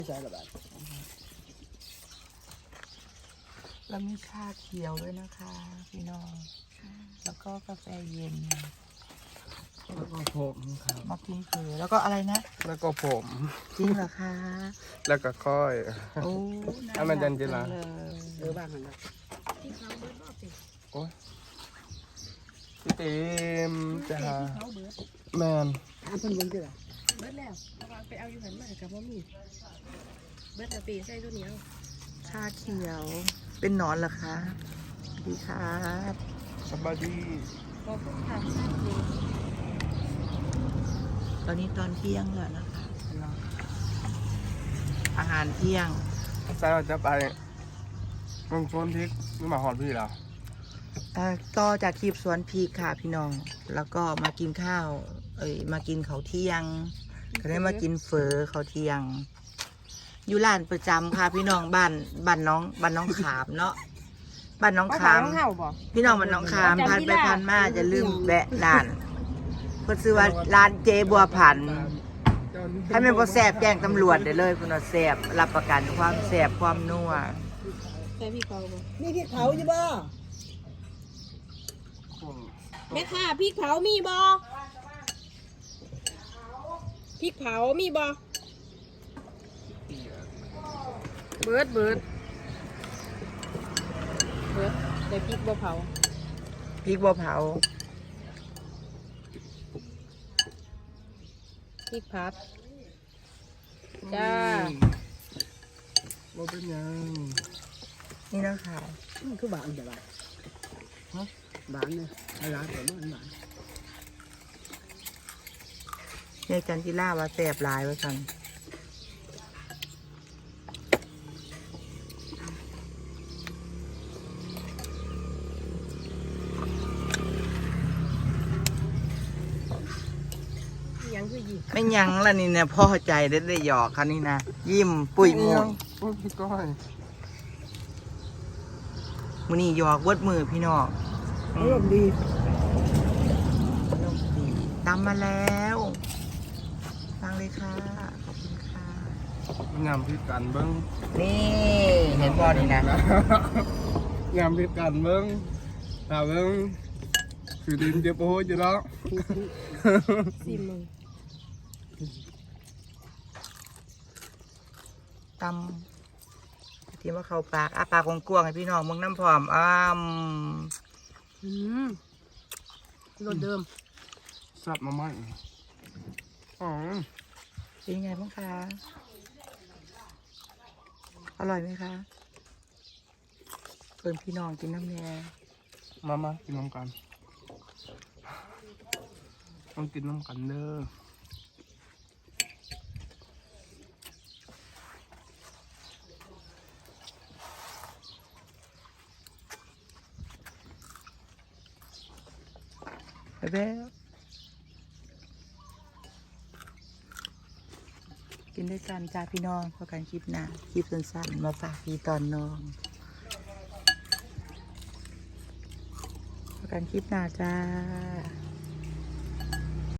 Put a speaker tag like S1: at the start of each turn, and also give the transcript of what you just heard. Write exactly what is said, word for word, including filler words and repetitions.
S1: ใช่ระบาดเรามีชาเขียวด้วยนะคะพี่น้องแล้วก็กาแฟเย็น
S2: แล้วก็ผมครับ
S1: มากินเผือแล้วก็อะไรนะ
S2: แล้วก็ผม
S1: จริงเหรอคะ
S2: แล้วก็ค่อย
S1: โอ้
S2: ให้มันจันจิละ
S1: เออบ้างกันนะ
S3: ที่เขาเบิร์ดรอบสิ
S2: โอ้ยพี่เต็มจะหา
S3: ที่เขาเบิร์ด
S2: แมน
S1: อันเป็นยังไงล่ะ
S3: เบิร์ดแล้วเอาวางไปเอาอยู่หันมากับว่ามีเบิร์ดแล้วปีใส่ตัวเหนียว
S1: ชาเขียวเป็นหนอนเหรอคะดีครับ
S2: สบายดี
S3: ขอบคุณค่ะใช่เลย
S1: ตอนนี้ตอนเที่ยงแล้วนะคะอาหารเที่ยง
S2: ใส่เราจะไปลงชวนพริกนี่มาหอดพี่แล้ว
S1: อ่าต่อจากคลิปสวนพริกค่ะพี่น้อง แล้วก็มากินข้าว เอ้ยมากินข้าวเที่ยง ก็ได้มากินเฟอข้าวเที่ยง อยู่ร้านประจำค่ะพี่น้องบ้านบ้านน้องบ้านน้องขามเนาะบ้านน้องขาม
S3: เห่าบ่
S1: พี่น้องบ้านน้องขามพันไปพันมาจะลืมแวะร้านเพื่อซื้อว่าร้านเจบัวผันให้มันบ่แสบแจ้งตำรวจได้เลยคุณว่าแสบรับประกันความแสบความนัว
S3: ใส่พี่เขาบ่
S4: มีพริกเผาอยู่บ่
S3: แม่ค่ะพี่เขามีบ่พี่เขามีบ่เบิร์ดเบิร์ดเบิร์ดได้พริกบ่เผา
S1: พริกบัวเผา
S3: พริกพัดจ้า
S2: ว่าเป็นยัง
S1: นี่นะคะ
S4: มันคือบางแต่บางฮะบางเนี่ยไอ้ร้านแต่มันบาง
S1: ในจันทิล่าว่าแสบหลายว่าสัน
S3: ยังคือหยิบ
S1: ไม่ยั้งละนี่เนี่ยพ่อใจได้ได้หยอกคันนี้นะยิ้มปุ้ยมุ้ย
S2: โอ้ยพี่ก้อย
S1: มือนี่หยอกเวิดมือพี่น้อง
S4: อารมณ์ดี
S1: ตามมาแล้วฟังเลยค่ะขอบคุณค่ะ
S2: งามพิกันเบิ้ง
S1: นี่เห็นบอนี่นะ
S2: งามพิกันเบิ้งถามเบิ้งคือดินเจ็บโอ้ยอยู่แล้ว
S3: สี่มึง
S1: ตำที่ว่าเขาปากอาปากของกวางให้พี่น้องมึงน้ำพร้อมอ้าม
S3: อืมรสเดิม
S2: สับมาใหม่อ๋อ
S1: เป็นยังไงบ้างคะอร่อยไหมคะเพื่อนพี่น้องกินน้ำแน่
S2: มามากินน้ำกันต้องกินน้ำกันเด้อ
S1: ไปแบ๊วกินด้วยกันจ้าพี่น้องพอกันคลิปหน้าคลิปสั้นๆมาฝากพี่ตอนน้องพอกันคลิปหน้าจ้า